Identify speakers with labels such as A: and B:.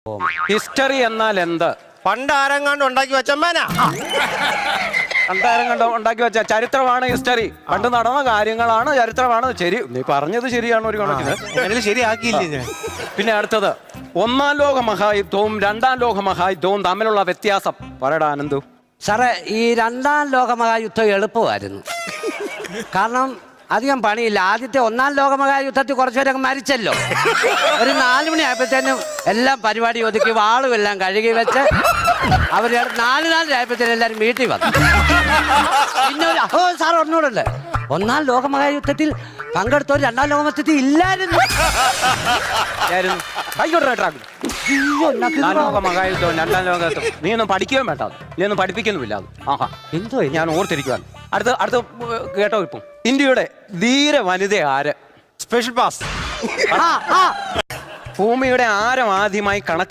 A: History എന്നാൽ എന്ത്?
B: പണ്ട് ആരെങ്ങാണ്ട് ഉണ്ടാക്കി വെച്ചമ്മേനാ.
A: പണ്ടാരം കണ്ടോ ഉണ്ടാക്കി വെച്ച ചരിത്രമാണ് ഹിസ്റ്ററി. പണ്ട് നടന്ന കാര്യങ്ങളാണ് ചരിത്രമാണ്. ശരി, നീ പറഞ്ഞത് ശരിയാണ് ഒരു കണക്കിന്.
B: അങ്ങനെ ശരിയാക്കിയില്ലേ ഞാൻ.
A: പിന്നെ അടുത്തത്, ഒന്നാം ലോക മഹായുദ്ധവും രണ്ടാം ലോക മഹായുദ്ധവും തമ്മിലുള്ള വ്യത്യാസം പറയടാ ആനന്ദു.
C: സാറേ, ഈ രണ്ടാം ലോകമഹായുദ്ധം എളുപ്പമായിരുന്നു. കാരണം അധികം പണിയില്ല. ആദ്യത്തെ ഒന്നാം ലോകമഹായുദ്ധത്തിൽ കുറച്ചുപേരൊക്കെ മരിച്ചല്ലോ. ഒരു 4 മണി ആയപ്പോഴത്തേനും എല്ലാം പരിപാടി ഒതുക്കി വാളും എല്ലാം കഴുകി വെച്ച് അവർ 4 ആയപ്പോഴത്തേനും എല്ലാവരും വീട്ടിൽ വന്നു. പിന്നെ സാർ ഒന്നുകൂടെ, ഒന്നാം ലോകമഹായുദ്ധത്തിൽ പങ്കെടുത്തവർ രണ്ടാം ലോകമഹായുദ്ധത്തിൽ ഇല്ലായിരുന്നു.
A: മഹായുദ്ധവും രണ്ടാം ലോകത്തും നീ ഒന്നും പഠിക്കുകയും വേണ്ട, നീ ഒന്നും പഠിപ്പിക്കുന്നുമില്ല. അത് ആഹാ എന്തോ ഞാൻ ഓർത്തിരിക്കുവാൻ. അടുത്ത കേട്ടോ, ഇപ്പം ഇന്ത്യയുടെ ധീര വനിത ആര്?
B: Special pass.
A: ഭൂമിയുടെ ആരം ആദ്യമായി